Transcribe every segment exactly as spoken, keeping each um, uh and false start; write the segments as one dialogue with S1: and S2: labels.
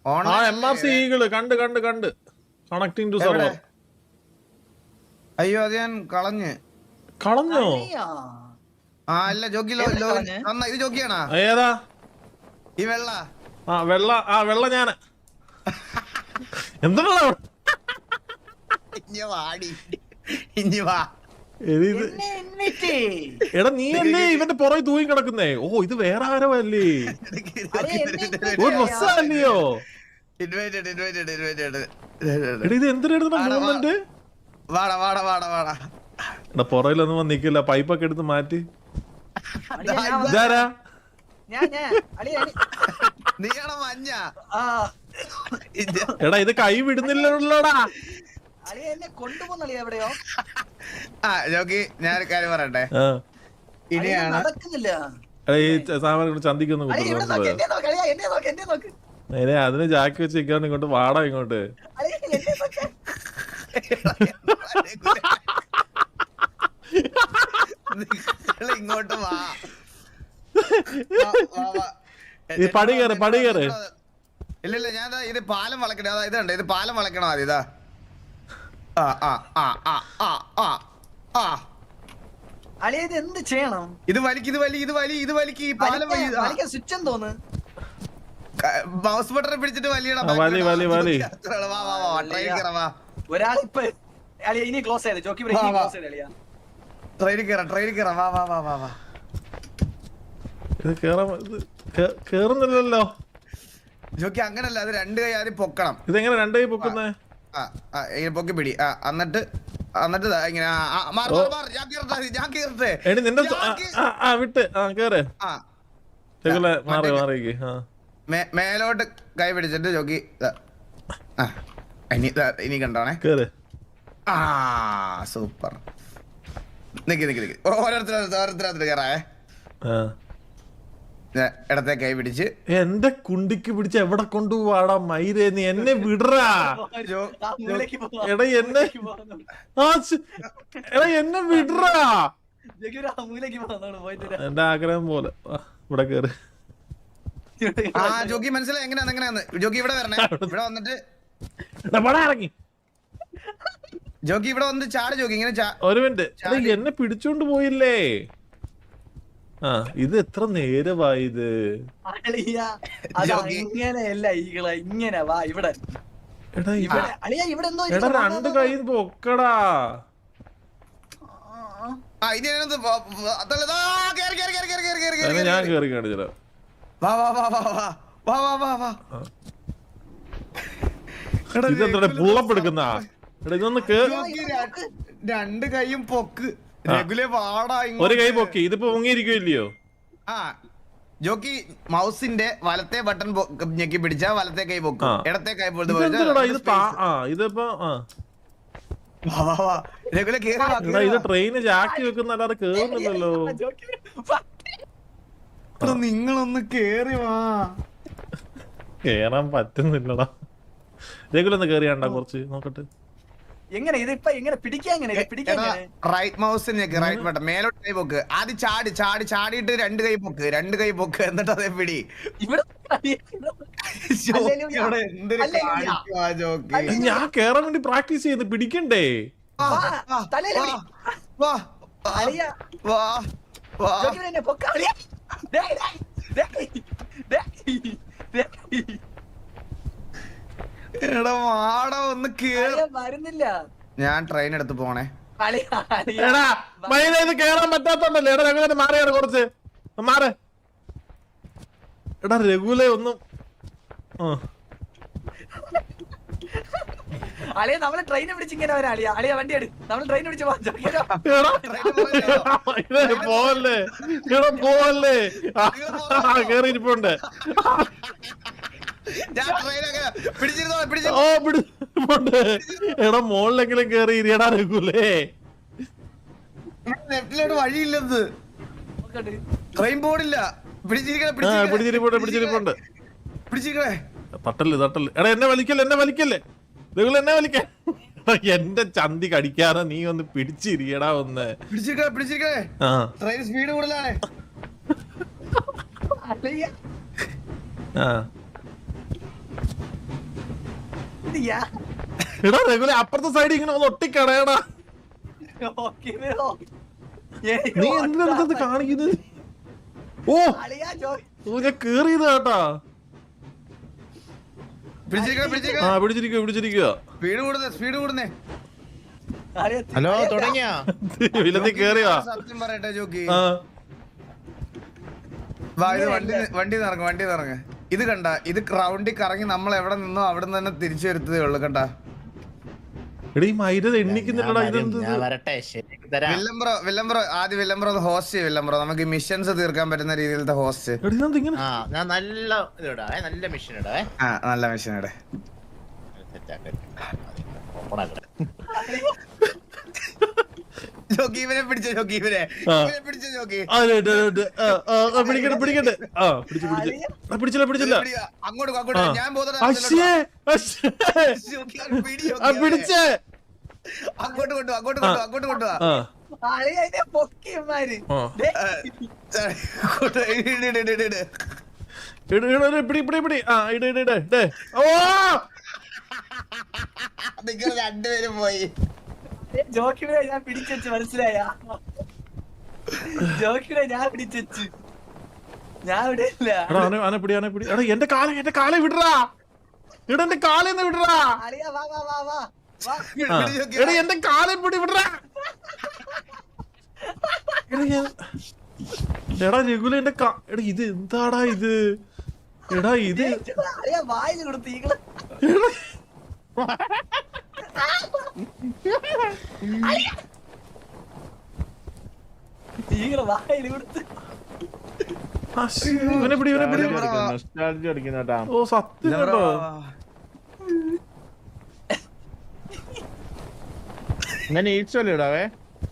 S1: ആ M R C eagle കണ്ട് കണ്ട് കണ്ട് കണക്ടിങ് ടു സെർവർ.
S2: അയ്യോ അത് ഞാൻ കളഞ്ഞ്.
S1: കളഞ്ഞോ?
S2: ആ അല്ല ജോക്കി ഇത് ജോക്കിയാണോ?
S1: ഏതാ
S2: ഈ വെള്ള?
S1: ആ വെള്ള. ആ വെള്ള ഞാന്. എന്താ
S2: ഇഞ്ഞി വാടി ഇഞ്ഞി വാ.
S1: എടാ നീ അല്ലേ ഇവന്റെ പുറകെ തൂങ്ങി കിടക്കുന്നേ? ഓ ഇത് വേറെ ആരോ അല്ലേ? ഓ ഡ്രസ്സല്ലയോ? ഇത് എന്തിനാ മൂവ്മെന്റ്?
S2: വാടാ വാടാ വാടാ വാടാ.
S1: എടാ പുറയിലൊന്നും വന്നിക്കില്ല, പൈപ്പൊക്കെ എടുത്ത് മാറ്റി. ഇതാരാ?
S2: നീയാണോ മഞ്ഞ?
S1: എടാ ഇത് കൈ വിടുന്നില്ലല്ലോടാ.
S2: ആ ജോക്കി ഞാനൊരു കാര്യം പറയട്ടെ. ഇനിയാണ്
S1: ചന്തിക്കൊന്നും നേരെ അതിന് ജാക്കി വെച്ച് ഇങ്ങോട്ട് ഇങ്ങോട്ട് വാടാ ഇങ്ങോട്ട്.
S2: ഇങ്ങോട്ട് വാ.
S1: പടി കയറ് പടി കയറ്.
S2: ഇല്ല ഇല്ല ഞാൻ ഇത് പാലം വളക്കണേ. അതാ ഇതുണ്ട്, ഇത് പാലം വളക്കണം ആദ്യം. ഇതാ ആ ആ ആ ആ ആ ആ
S3: എന്ത് ചെയ്യണം?
S2: ഇത് വലിക്ക്, ഇത് വലി, ഇത് വലി, ഇത് വലിക്ക്. ഈ പാലം
S3: സ്വിച്ച് തോന്നുന്നു.
S2: മൗസ് ബട്ടൺ പിടിച്ചിട്ട് വലിയടാ.
S1: വലി വലി വലി.
S3: ഒരാളിപ്പോ ഇനി ക്ലോസ് ചെയ്ത് ജോക്കി ക്ലോസ് ചെയ്ത്
S2: ട്രെയിനിൽ കയറാം, ട്രെയിനിൽ കയറാം. വാ വാ വാ വാ വാ.
S1: ഇത് കേറാൻ കേറുന്നില്ലല്ലോ
S2: ജോക്കി. അങ്ങനല്ല, അത് രണ്ട് കൈ ആദ്യം പൊക്കണം.
S1: ഇതെങ്ങനെ രണ്ട് കൈ പൊക്കുന്നേ?
S2: പൊക്കി പിടി. എന്നിട്ട് എന്നിട്ട് ഇങ്ങനെ ഞാൻ കേറട്ടെ.
S1: എടി നിന്റെ വിട്ട് കേറ്. മാറി മാറിക്ക്.
S2: മേലോട്ട് കൈ പിടിച്ചിട്ട് ജോക്കി ഇനി കണ്ടോണേ.
S1: കേറ്.
S2: ആ സൂപ്പർ. നിക്ക് നിക്ക് നിക്ക്. ഓരോരുത്തർ ഓരോരുത്തർ കയറാവേ. ഇടത്തെ കൈ പിടിച്ച്
S1: എന്റെ കുണ്ടിക്ക് പിടിച്ച് എവിടെ കൊണ്ടുപോവാടാ മയിരേ? നീ എന്നെ വിടറാ. എടാ എന്നെ എടാ എന്നെ വിടറാ. എന്റെ ആഗ്രഹം പോലെ ഇവിടെ കേറ്.
S2: ആ ജോക്കി മനസ്സിലായി എങ്ങനെയാന്ന് എങ്ങനെയാന്ന്. ജോക്കി ഇവിടെ വരണേ. ഇവിടെ വന്നിട്ട്
S1: ഇറങ്ങി.
S2: ജോക്കി ഇവിടെ വന്നിട്ട് ചാട്. ജോക്കി ഇങ്ങനെ
S1: ഒരു മിനിറ്റ്. എന്നെ പിടിച്ചോണ്ട് പോയില്ലേ? ആ ഇത് എത്ര നേരമായത്?
S3: ഇങ്ങനെയല്ല ഈകള ഇങ്ങനെ വാ ഇവിടെ.
S1: എടാ രണ്ട് കൈ പൊക്കടാ. ഞാൻ കേറി കാണിച്ചോ. ഇതെന്താ പുള്ളപ്പ് എടുക്കുന്ന? ഇതൊന്ന്
S2: രണ്ട് കൈയും പൊക്ക്.
S1: ഒരു കൈ പൊക്കി. ഇതിപ്പോ മുങ്ങിയിരിക്കില്ലയോ?
S2: ആ ജോക്കി മൗസിന്റെ വലത്തെ ബട്ടൺ ഞെക്കി പിടിച്ചാ വലത്തെ കൈ പൊക്കും, ഇടത്തെ കൈ
S1: ഇതിപ്പോ
S2: ഇത്
S1: ട്രെയിന് ജാക്കി വെക്കുന്നല്ലാതെ കേറുന്നില്ലല്ലോ.
S2: നിങ്ങളൊന്ന് കേറി വാ.
S1: കേറാൻ പറ്റുന്നില്ലടാ. രഘുലൊന്ന് കേറിയാണ്ടാ കുറച്ച് നോക്കട്ടെ.
S3: എങ്ങനെ ഇതിപ്പോ എങ്ങനെ പിടിക്കാൻ?
S2: റൈറ്റ് മൗസ് റൈറ്റ് ബട്ടൺ മേലോട്ട് കൈ പൊക്ക്. ആദ്യം ചാടി ചാടി ചാടിയിട്ട് രണ്ട് കൈ പൊക്ക്, രണ്ട് കൈ പൊക്ക്. എന്നിട്ട് അതേ പിടി.
S1: ഞാൻ കേറാൻ വേണ്ടി പ്രാക്ടീസ് ചെയ്ത് പിടിക്കണ്ടേ?
S2: എടാ വാട ഒന്ന്
S3: വരുന്നില്ല.
S2: ഞാൻ ട്രെയിൻ എടുത്ത് പോണേ.
S1: എടാ മൈന ഇത് കേറാൻ പറ്റാത്തോണ്ടല്ലേ? എടാ രഘുലെ മാറിയാണ് കുറച്ച് മാറ്. എടാ രഘുലെ ഒന്നും
S3: അളിയ നമ്മള് ട്രെയിനെ പിടിച്ച് ഇങ്ങനെ വരാം. അളിയ അളിയ വണ്ടി എടു. നമ്മള് ട്രെയിൻ പിടിച്ച്
S1: പോവല്ലേ? എടാ പോവല്ലേ? കേറിയിരിപ്പുണ്ട്. ഓ പിടിച്ചിട്ടുണ്ട്. എടാ മോളിലെങ്കിലും കേറി ഇരിയടാ രഘുലേ.
S2: ലെഫ്റ്റിലോട്ട് വഴിയില്ലെന്ന്. ട്രെയിൻ ബോർഡില്ല.
S1: പിടിച്ചിരിപ്പുണ്ട് പിടിച്ചിരിപ്പുണ്ട്.
S2: പിടിച്ചിരിക്കണേ.
S1: തട്ടല് തട്ടല്. എടാ എന്നെ വലിക്കല്ലേ എന്നെ വലിക്കല്ലേ രഘുല എന്നെ വലിക്കേ. എന്റെ ചന്തി കടിക്കാതെ നീ ഒന്ന് പിടിച്ചിരിക്കടാ ഒന്ന്.
S2: പിടിച്ചിരിക്കണേ പിടിച്ചിരിക്കണേ. ട്രെയിൻ സ്പീഡ് കൂടുതലാണ്.
S1: ആ
S3: ഇത് യാ
S1: എടാ റെഗുലർ അപ്പുറത്തെ സൈഡ് ഇങ്ങനെ ഒന്ന് ഒട്ടിക്കടയടാ.
S3: ഓക്കേ ബ്രോ
S1: നീ എന്തിനാ ഇത് കാണിക്കുന്നത്? ഓ
S3: അളിയാ ജോ
S1: ഓ ഞാൻ കേറിയത് കേട്ടാ.
S2: പിടിച്ചിരിക്കണ
S1: ആ
S2: പിടിച്ചിരിക്കണ
S1: പിടിച്ചിരിക്കുക പിടിച്ചിരിക്കുക.
S2: Speed കൂടുന്നേ speed കൂടുന്നേ.
S3: അളിയാ
S4: ഹലോ തുടങ്ങിയാ
S1: വില്ലത്തി കേറിയാ.
S2: സത്യം പറയട്ടെ ജോക്കി,
S1: ആ
S2: വാ ഇത് വണ്ടി വണ്ടി നിറങ്ങ വണ്ടി നിറങ്ങ. ഇത് കണ്ട, ഇത് റൗണ്ടിൽ കറങ്ങി നമ്മൾ എവിടെ നിന്നോ അവിടെ നിന്ന് തന്നെ തിരിച്ചു വരുത്തതേ ഉള്ളു. കണ്ട
S1: എടാ ഈ മൈര എണ്ണിക്കുന്നില്ലടാ. ഇതെന്ത്
S4: ഞാൻ വരട്ടെ ശരിയാക്കി തരാം.
S2: വില്ലംബ്രോ വില്ലംബ്രോ ആദ്യം വില്ലംബ്രോ ഹോസ്റ്റ് ചെയ്യും. വില്ലംബ്രോ നമുക്ക് മിഷൻസ് തീർക്കാൻ പറ്റുന്ന രീതിയിലത്തെ ഹോസ്റ്റ്.
S1: എടാ ഇതെന്ത് ഇങ്ങനെ?
S4: ആ ഞാൻ നല്ല ഇത് ഇടാവേ, നല്ല മെഷീൻ ഇടാവേ.
S2: ആ നല്ല മിഷൻ ഇടെ.
S4: ഓപ്പൺ ആക്കട്ടെ.
S2: ജോക്കി ഇവനെ പിടിച്ചോ, ജോക്കി ഇവനെ
S1: ആ.
S2: ഇവനെ പിടിച്ചോ ജോക്കി.
S1: ആ, ദേ, ദേ, ദേ, ആ, ആ, ആ, പിടിക്കട്ടെ പിടിക്കട്ടെ. ആ പിടിച്ചു പിടിച്ചു. ആ, പിടിച്ചില്ല പിടിച്ചില്ല.
S2: പിടി, അങ്ങോട്ട് പോ, അങ്ങോട്ട്
S1: ആ.
S2: പോ. ഞാൻ പോകുന്നത്
S1: അശ്ശേ, അശ്ശേ. ആ പിടിച്ചേ.
S2: അങ്ങോട്ട് കൊണ്ടുപോ, അങ്ങോട്ട് കൊണ്ടുപോ, അങ്ങോട്ട് കൊണ്ടുപോ.
S1: ആ
S3: അളിയാ ഇതിനെ പൊക്കിയന്മാര്
S1: ആ.
S3: ദേ,
S2: അങ്ങോട്ട് ഇട്, ഇട്, ഇട്, ഇട്, ഇട്.
S1: ഇട് ഇട് ഇട്, പിടി പിടി പിടി. ആ ഇട് ഇട് ഇട് ദേ. ഓ
S2: നിങ്ങൾ രണ്ടുപേരും പോയി.
S3: ജോക്കിനെ ഞാൻ പിടിച്ചു മനസ്സിലായ ജോക്കിനെ ഞാൻ പിടിച്ചു ഞാൻ ഇവിടെ ഇല്ല
S1: എടാ ആന ആന പിടി ആന പിടി. എടാ എന്റെ കാല എന്റെ കാലെ വിടറാ. എടാ എന്റെ കാലെന്ന് വിടറാ.
S3: അളിയാ വാ വാ വാ വാ വാ
S2: പിടി,
S1: ആ.
S2: പിടി ജോക്കി.
S1: എടാ എന്റെ കാലെ പിടി വിടറാ. എടാ ഞാൻ- എടാ രഘുല എന്റെ കാ എടാ ഇത് എന്താടാ ഇത്? എടാ ഇത്
S3: അളിയാ വായിൽ കൊടുത്ത് ഈകള് ഈകള് വായിൽ കൊടുത്ത്
S1: ആ, ശ്ശേ, ഇവനെ പിടി ഇവനെ പിടി.
S4: Nostalgia അടിക്കുന്ന കേട്ടാ.
S1: ഓ സത്യം കേട്ടോ.
S4: ഇങ്ങനെ ഈച്ചോലെ ഇടാവേ.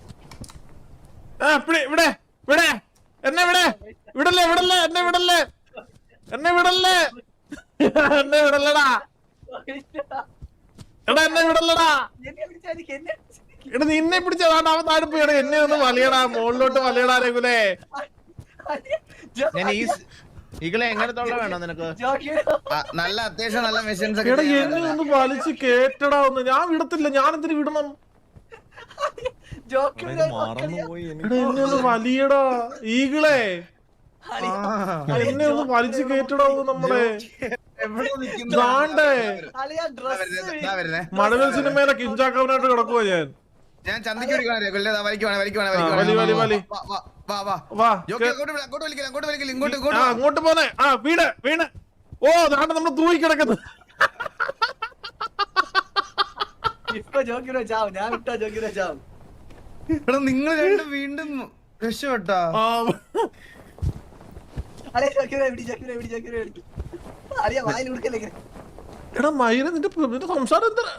S1: ആ പിടി ഇവിടെ ഇവിടെ എന്നെ ഇവിടെ വിടല്ലേ വിടല്ലേ എന്നെ വിടല്ലേ എന്നെ വിടല്ലേ എന്നെ വിടല്ലടാ. എടാ എന്നെ വിടല്ലടാ.
S3: എന്നെ പിടിച്ചാ എനിക്ക് എന്നെ
S1: എടാ നിന്നെ പിടിച്ചതാണ് അവൻ താഴെ പോയി. എടാ എന്നെ ഒന്ന് വലിയടാ, മുകളിലോട്ട് വലിയടാ രഘുലേ.
S4: ഞാൻ ഈ ഈകളെ എങ്ങനത്തുള്ള വേണം നിനക്ക്?
S3: ജോക്കിനെ
S2: ആ, നല്ല അത്യാവശ്യം നല്ല മെഷീൻസ്
S1: എടാ എന്നെ ഒന്ന് വലിച്ച് കേറ്റടാ ഒന്ന്. ഞാൻ വിടത്തില്ല. ഞാൻ എന്തിനു വിടണം?
S3: ജോക്കിനെ
S1: എടാ എന്നെ ഒന്ന് വലിയടാ ഈകളെ. എന്നെ ഒന്ന് വലിച്ചു കേറ്റടാ ഒന്ന് നമ്മളെ.
S2: എവിടെ നിൽക്കുന്നു?
S1: ദാണ്ടേ
S3: അളിയാ ഡ്രസ്
S2: ദാ വരുന്നേ.
S1: മഴവിൽ സിനിമയിലെ കിഞ്ചാക്കവനായിട്ട് കിടക്കുവാ ഞാൻ.
S2: ഞാൻ ചന്തയ്ക്ക് വിളിക്കുവാണ് വലിക്കുവാണ് വലിക്കുവാണ്
S1: ആ, വലി, വലി, വലി.
S2: വാ, വാ, വാ, വാ.
S1: വാ
S2: ജോക്കി അങ്ങോട്ട് വിളി, അങ്ങോട്ട് വിളിക്കില്ല, അങ്ങോട്ട് വിളിക്കില്ല, ഇങ്ങോട്ട്
S1: ആ
S2: ഇങ്ങോട്ട് വാ.
S1: അങ്ങോട്ട് പോന്നെ. ആ വീട് വീണ്. ഓ ദാണ്ട നമ്മള് തൂയി കിടക്കുന്നു.
S3: ഇപ്പൊ ജോക്കിനെ ചാവും ഞാൻ വിട്ടാ ജോക്കിനെ ചാവും
S2: എടാ നിങ്ങൾ രണ്ടും വീണ്ടും രക്ഷപ്പെട്ടാ.
S1: ആ,
S3: അളിയാ ജോക്കിനെ പിടി ജോക്കിനെ പിടി ജോക്കിനെ പിടി അളിയാ വായിൽ കൊടുക്കല്ലേ ഇങ്ങനെ
S1: എടാ മയില നിന്റെ നിന്റെ സംസാരം എന്താ?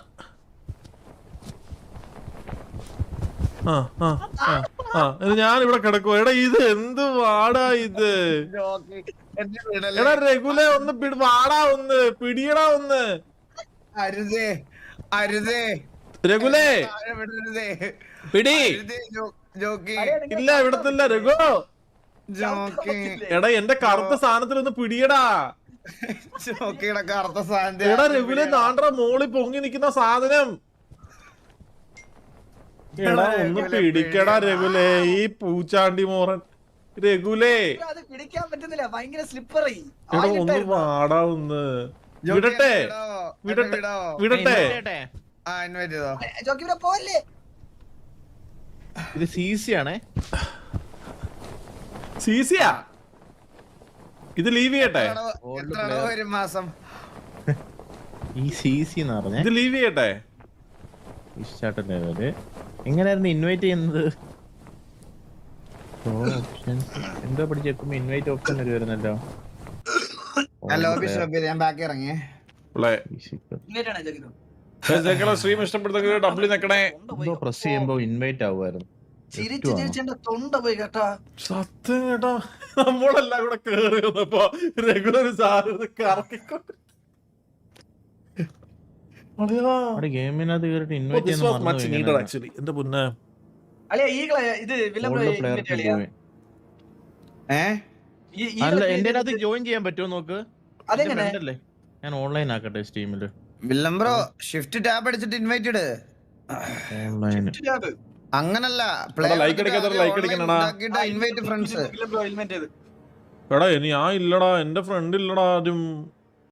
S1: ആ ആ ആ ആ ഇത് ഞാൻ ഇവിടെ കിടക്കുവോ? എടാ ഇത് എന്ത് വാടാ ഇത്?
S2: ജോക്കി എന്നെ വിടല്ലേ.
S1: എടാ രഘുലെ ഒന്ന് പിടി വാടാ ഒന്ന് പിടിയടാ ഒന്ന്.
S2: അരുതേ അരുതേ
S1: രഘുലേ
S2: താഴെ വിടരുതേ.
S1: പിടി.
S2: അരുതേ ജോ- ജോക്കി
S1: ഇല്ല വിടത്തില്ല രഘു.
S2: ജോക്കി
S1: എടാ എന്റെ കറുത്ത സാധനത്തിൽ ഒന്ന് പിടിയടാ.
S2: ജോക്കിയുടെ കറുത്ത സാധനം.
S1: എടാ രഘുലെ നാണ്ടറ മോളി പൊങ്ങി നിക്കുന്ന സാധനം. എടാ ഒന്ന് പിടിക്കടാ രഘുലേ ഈ പൂച്ചാണ്ടി മോറൻ. രഘുലേ
S3: അത് പിടിക്കാൻ പറ്റുന്നില്ല ഭയങ്കര സ്ലിപ്പറി
S1: എടാ ഒന്ന് വാടാ ഒന്ന്.
S2: ജോക്കി
S1: വിടട്ടെ
S2: എന്നെ വിടോ, എന്നെ
S1: വിടട്ടെ
S2: വിടോ.
S1: വിടട്ടെ.
S4: ഇടട്ടെ.
S2: ആ ഇൻവൈറ്റ് ചെയ്തോ.
S3: ജോക്കിനെ പോവല്ലേ
S4: ഇത് സി സി ആണേ.
S1: സീസിയാ ഇത് ലീവ് ചെയ്യട്ടെ.
S2: എത്ര അടവ്- എത്ര അടവ് വരും മാസം?
S4: ഈ സി സി എന്ന് പറഞ്ഞേ
S1: ഇത് ലീവ് ചെയ്യട്ടെ.
S4: ഇഷ്ടാട്ട ലെവല് എങ്ങനെയായിരുന്നു ഇൻവൈറ്റ് ചെയ്യുന്നത്? ഓപ്ഷൻസ് എന്തോ പഠിച്ചേക്കുമ്പോ ഇൻവൈറ്റ് ഓപ്ഷൻ ഒരു വരുന്നല്ലോ.
S2: ഞാൻ ലോബി ഷോപ്പ് ചെയ്ത് ഞാൻ ബാക്കി ഇറങ്ങിയേ.
S3: ഇങ്ങോട്ടാണ് ജോക്കിനോ
S1: സ്ട്രീം ഇഷ്ടപ്പെടുന്നെങ്കിൽ ഡബ്ല്യൂ നിക്കണേ.
S4: എന്തോ പ്രസ് ചെയ്യുമ്പോ ഇൻവൈറ്റ് ആവുമായിരുന്നു.
S3: ചിരിച്ച് ചിരിച്ചെന്റെ തൊണ്ട പോയി കേട്ടാ
S1: സത്യം കേട്ടോ നമ്മളെല്ലാം കൂടെ കേറി വന്നപ്പോ റെഗുലർ സാധനം കറക്കിക്കൊണ്ട്
S4: അവിടെ ഗെയിമിനകത്ത് കേറിട്ട് ഇൻവൈറ്റ് ചെയ്യുന്ന
S1: ആക്ച്വലി എന്റെ മുന്നേ
S3: അളിയാ ഈകളെ ഇത് വില്ലം
S4: പ്ലെയർ പോയി.
S2: ഏ
S4: അല്ല എന്റെ അതിനകത്ത് ജോയിൻ ചെയ്യാൻ പറ്റുമോ നോക്ക്.
S3: അതെങ്ങനെ
S4: അല്ലേ ഞാൻ ഓൺലൈൻ ആക്കട്ടെ സ്റ്റീമില്.
S2: വില്ലം ബ്രോ ഷിഫ്റ്റ് ടാബ് അടിച്ചിട്ട് ഇൻവൈറ്റ് ഇട്.
S4: ഓൺലൈൻ
S2: അങ്ങനല്ല
S1: like അടിക്കാത്ത like അടിക്കണടാ.
S2: Invite friends.
S3: ബ്രോ ഹെൽമെറ്റ് ചെയ്ത്
S1: എടാ ഇനി ഞാൻ ഇല്ലടാ, എന്റെ ഫ്രണ്ട് ഇല്ലടാ ആദ്യം.